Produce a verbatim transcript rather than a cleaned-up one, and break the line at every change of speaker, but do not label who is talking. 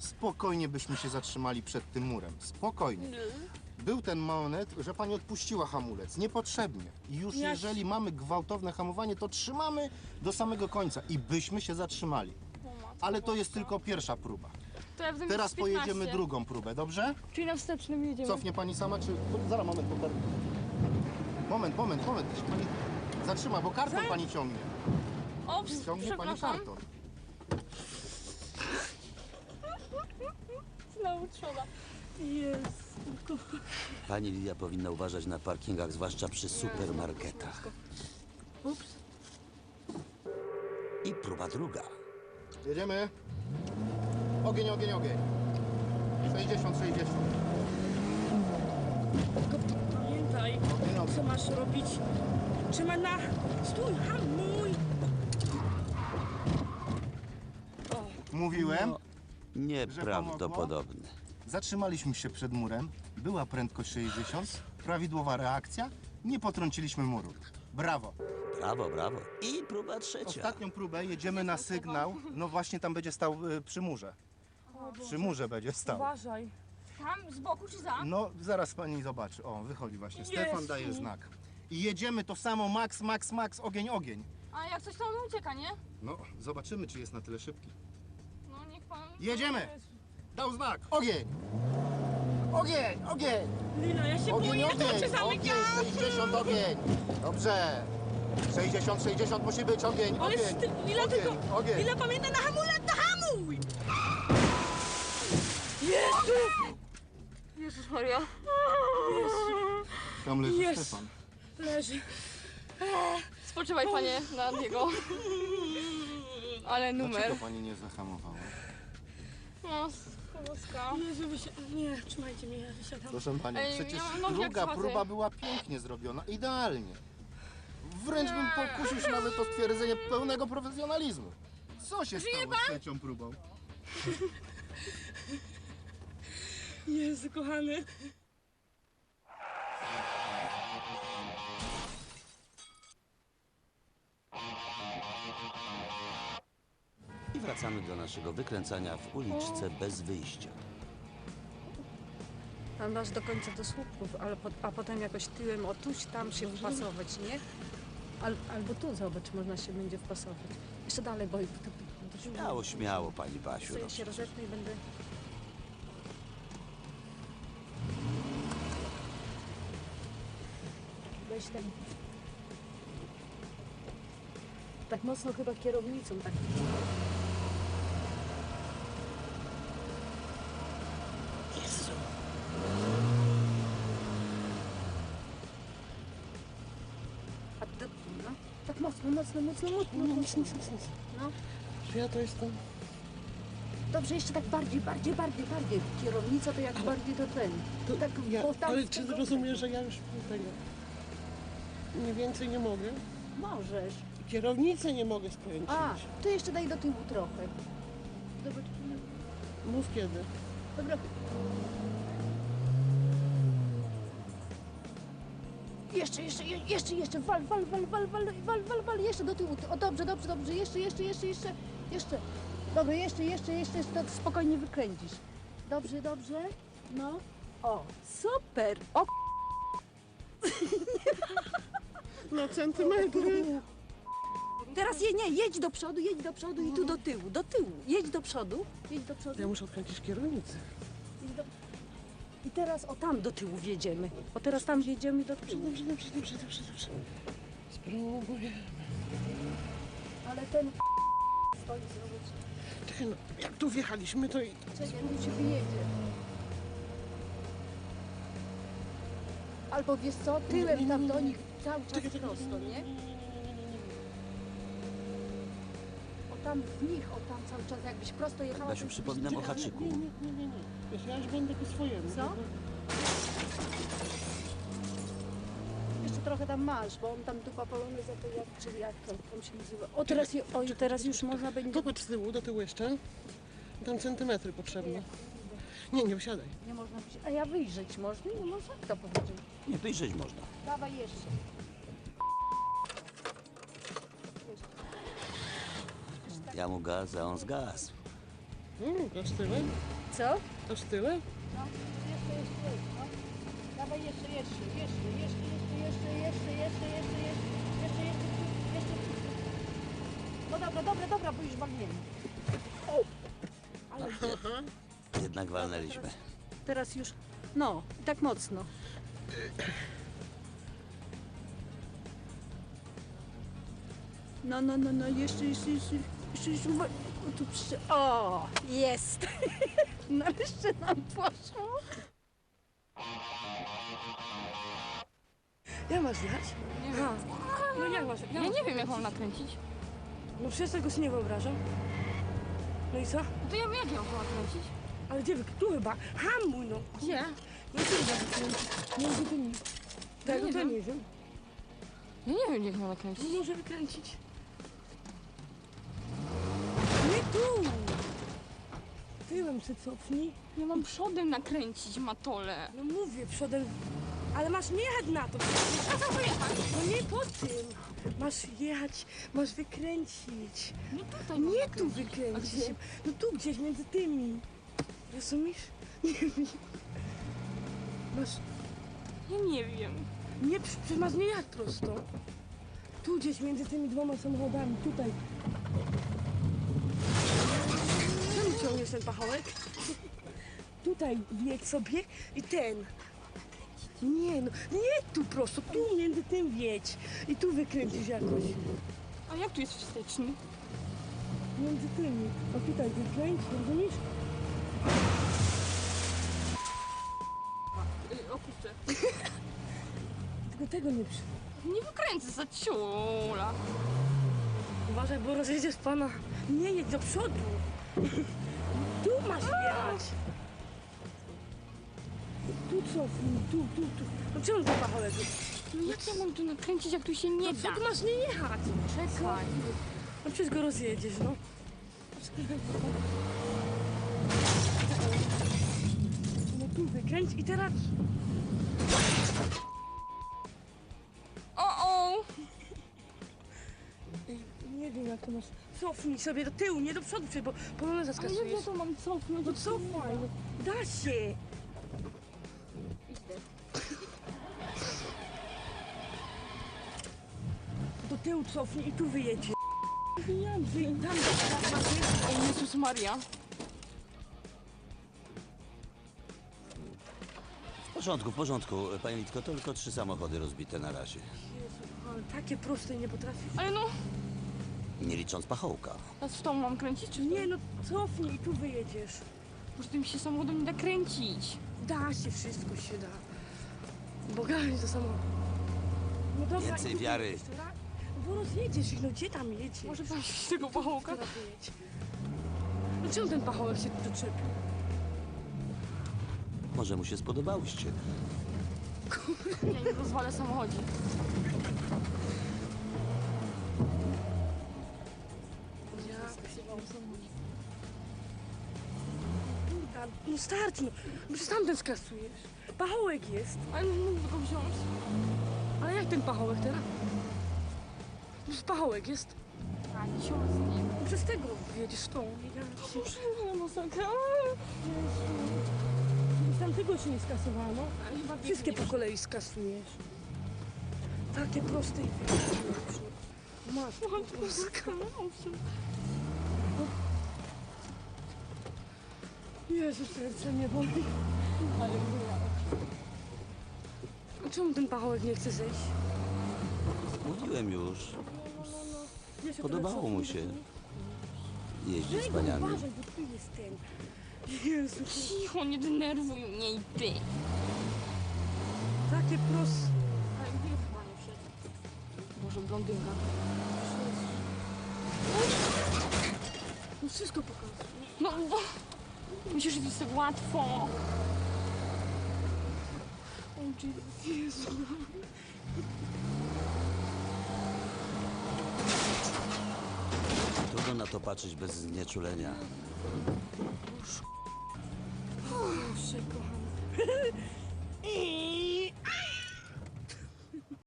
spokojnie byśmy się zatrzymali przed tym murem. Spokojnie. Był ten moment, że pani odpuściła hamulec. Niepotrzebnie. I już
Ja-
jeżeli mamy gwałtowne hamowanie, to trzymamy do samego końca i byśmy się zatrzymali. Ale to jest tylko pierwsza próba.
To ja będę
Teraz
mieć piętnaście.
pojedziemy drugą próbę, dobrze?
Czyli na wstecznym jedziemy.
Cofnie pani sama, czy... Zaraz, moment, bo... Moment, moment, moment. Niech pani zatrzyma, bo karton
Za-
pani ciągnie.
O,
Ciągnie pani
przepraszam.
karton.
Znowu trzoda. Jest.
Pani Lidia powinna uważać na parkingach, zwłaszcza przy supermarketach.
Ups.
I próba druga.
Jedziemy. Ogień, ogień, ogień. sześćdziesiąt, sześćdziesiąt.
Tylko pamiętaj,
Ogień, ogień.
co masz robić. Trzymaj na... Stój, hamuj.
Mówiłem.
No, nieprawdopodobne.
Zatrzymaliśmy się przed murem. Była prędkość sześćdziesiąt. Prawidłowa reakcja. Nie potrąciliśmy muru. Brawo.
Brawo, brawo. I próba trzecia.
Ostatnią próbę jedziemy na sygnał. No właśnie tam będzie stał y, przy murze. Przy murze będzie stał.
Uważaj.
Tam, z boku czy za?
No zaraz pani zobaczy. O, wychodzi właśnie. Stefan
Jezu.
daje znak. I jedziemy to samo max, max, max, ogień, ogień.
A jak coś to on ucieka, nie?
No, zobaczymy, czy jest na tyle szybki.
No niech pan...
Jedziemy! Dał znak. Ogień! Ogień, ogień!
Lila, ja się
Ogień,
boję, to
ogień!
cię zamykam.
Ogień, sześćdziesiąt, ogień! Dobrze! sześćdziesiąt, sześćdziesiąt musi być, ogień,
Ale
ogień!
ty, Lila,
ogień,
tylko...
ogień!
Lila, pamiętaj na hamulec, na hamuj! Jezu!
Jezus Maria.
Tam leży
Jest.
Stefan.
Leży.
Spoczywaj panie na niego. Ale numer.
Dlaczego pani nie zahamowała?
No, skoloska.
Jezu, wysi... Nie, trzymajcie mnie, ja wysiadam.
Proszę pani,
Ej,
przecież
ja mam nogi jak
druga
schadzę.
próba była pięknie zrobiona, idealnie. Wręcz bym pokusił się nawet o stwierdzenie pełnego profesjonalizmu. Co się stało z trzecią próbą?
Jezu, kochany.
I wracamy do naszego wykręcania w uliczce bez wyjścia.
Tam masz do końca do słupków, ale po, a potem jakoś tyłem o tuś tam się wpasować, nie? Al, albo tu, zobacz, można się będzie wpasować. Jeszcze dalej, bo to, to, to
Śmiało, śmiało, pani Basiu.
Co
No,
ja się rozetnę i będę... Weź ten... Tak mocno chyba kierownicą, tak... Jezu! A to... No, tak mocno, mocno, mocno, mocno, mocno. No.
Czy ja to jestem?
Dobrze, jeszcze tak bardziej, bardziej, bardziej, bardziej. Kierownica to jak bardziej to ten.
To
tak,
ja,
bo tam
ale
z
czy
tego-
rozumiesz, że ja już tego... Nie więcej nie mogę?
Możesz.
Kierownicę nie mogę skręcić.
A, to jeszcze daj do tyłu trochę. Dobra,
Mów kiedy.
dobra. Jeszcze, jeszcze, je- jeszcze, jeszcze, wal, wal, wal, wal, wal, wal, wal, wal, jeszcze do tyłu. O, dobrze, dobrze, dobrze, jeszcze, jeszcze, jeszcze, jeszcze, jeszcze. Dobra, jeszcze, jeszcze, jeszcze, jeszcze, to spokojnie wykręcisz. Dobrze, dobrze, no. O, super, o,
Na centymetry.
teraz je, nie, jedź do przodu, jedź do przodu i tu do tyłu, do tyłu. Jedź do przodu, jedź do przodu.
Ja muszę odkręcić kierownicę.
jedź do... I teraz o tam do tyłu wjedziemy. O teraz tam wjedziemy do tyłu.
Dobrze, dobrze, dobrze, dobrze, dobrze. Spróbuję.
Ale ten stoi zrobić.
Czekaj, no, jak tu wjechaliśmy, to i...
Czekaj, tu się wyjedzie. Albo wiesz co, tyłem tam do nich cały czas prosto, nie? O tam w nich, o tam cały czas jakbyś prosto jechała.
Basiu,
to-
przypominam o haczyku.
Nie, nie, nie, nie, nie. Wiesz, ja już będę po swojemu.
Co? Jeszcze trochę tam masz, bo on tam tu papalony za to jak, czyli jak to tam się nazywa. O teraz, je, o, teraz już można będzie...
Popatrz z tyłu, do tyłu jeszcze. Tam centymetry potrzebne. Nie, nie wysiadaj.
Nie można być. A ja wyjrzeć można? Nie można, kto powiedział.
Nie, wyjrzeć można.
Dawaj jeszcze.
Ja mu gaz, a on zgasł.
Mm, aż tyle?
Co?
Aż tyle?
No, jeszcze, jeszcze, no. Dawaj jeszcze, jeszcze, jeszcze, jeszcze, jeszcze, jeszcze, jeszcze, jeszcze, jeszcze, jeszcze, jeszcze, jeszcze, jeszcze. No dobra, dobra, dobra, bo już walniemy. Ale
Jednak walnęliśmy.
teraz już, no, i tak mocno. No, no, no, no, jeszcze, jeszcze, jeszcze, jeszcze, jeszcze, uwa- o, tu przy... O, jest! Nareszcie nam poszło.
Jak masz jechać? Aha. No jak masz?
Ja nie wiem, jak mam nakręcić.
No przecież tego sobie nie wyobrażam. No i co?
No to ja wiem, jak ja mam to nakręcić.
Ale gdzie wy? Tu chyba. Hamuj no.
Gdzie?
No tu chyba wykręcić. Między tymi. Tego
nie
to
wiem.
nie wiem.
Ja nie wiem, jak mam nakręcić.
No może wykręcić. Nie tu! Tyłem się cofnij.
Ja mam przodem nakręcić matole.
No mówię, przodem. Ale masz nie jechać na to.
A co pojechać?
No nie po tym. Masz jechać, masz wykręcić.
No tutaj mam
Nie tu
nakręcić. A
wykręcić.
gdzie?
No tu gdzieś między tymi. Rozumiesz? Nie wiem. Masz.
Ja nie wiem.
Nie, przecież masz nie jechać prosto. Tu gdzieś między tymi dwoma samochodami, tutaj. Czemu ciągniesz ten pachołek? Tutaj wjedź sobie i ten. Nie no, nie tu prosto, tu między tym wjedź. I tu wykręcisz jakoś.
A jak tu jest wsteczny?
Między tymi. O tutaj wykręć, rozumiesz?
Yy, opuszczę.
Tylko tego nie przy...
Nie wykręcę za ciula.
Uważaj, bo rozjedziesz pana. Nie jedź do przodu. Tu masz jechać. Tu cofnij, tu, tu, tu. No czemu ten pachołek?
No jak ja mam tu nakręcić, jak tu się nie
No
da?
co tu masz nie jechać?
Czekaj.
No przecież go rozjedziesz, no. No tu wykręć i teraz...
O, o!
Ej, nie wiem jak to masz... Cofnij sobie do tyłu, nie do przodu, przecież, bo polonę
Ale jak
zaskasujesz.
ja to mam cofnąć?
No cofaj, no. Da się. Do tyłu cofnij i tu wyjedzie. Wiem, że tam, tam masz jeździć.
O Jezus Maria.
W porządku, w porządku. Pani Litko, to tylko trzy samochody rozbite na razie.
Jezu, ale takie proste nie potrafisz.
Ale no,
Nie licząc pachołka.
teraz w tą mam kręcić, czy w
Nie no, cofnij i tu wyjedziesz.
Może tym się samochodem nie da kręcić.
Da się, wszystko się da. Bogami to samo. No dobra,
Więcej
i tu
wiary.
wyjedziesz, dobra? No bo rozjedziesz ich, no gdzie tam jedziesz?
Może wejść tego pachołka?
Teraz wyjedź. No czemu ten pachołek się tu doczepił?
Może mu się spodobałyście.
Ja nie rozwalę samochodzi.
Ja Kurda, no start, no. No przecież tamten skasujesz. Pachołek jest.
Ale nie mógłby go wziąć.
Ale jak ten pachołek teraz? No przecież pachołek jest.
A, nie się z nim.
No przez tego jedziesz tą. Ja się...
No masakra.
Z tamtego się nie skasowano.
Ale chyba
Wszystkie po kolei skasujesz. Takie proste i wyjdziesz. Masz. Jezus, serce mnie boli.
Ale
A czemu ten pachołek nie chce zejść?
Mówiłem już.
Ja się
Podobało
trochę
mu
cofnę.
się jeździć z
Weź,
paniami.
uważaj, bo tu jest ten. Jezu,
cicho, nie denerwuj mnie i ty.
takie proste.
Ale gdzie chyba nie wszedł? Boże, blondynka.
No wszystko pokazuje.
No, bo... Myślisz, że to jest tak łatwo. O Jezu.
Trudno na to patrzeć bez znieczulenia.
Proszę, kochana.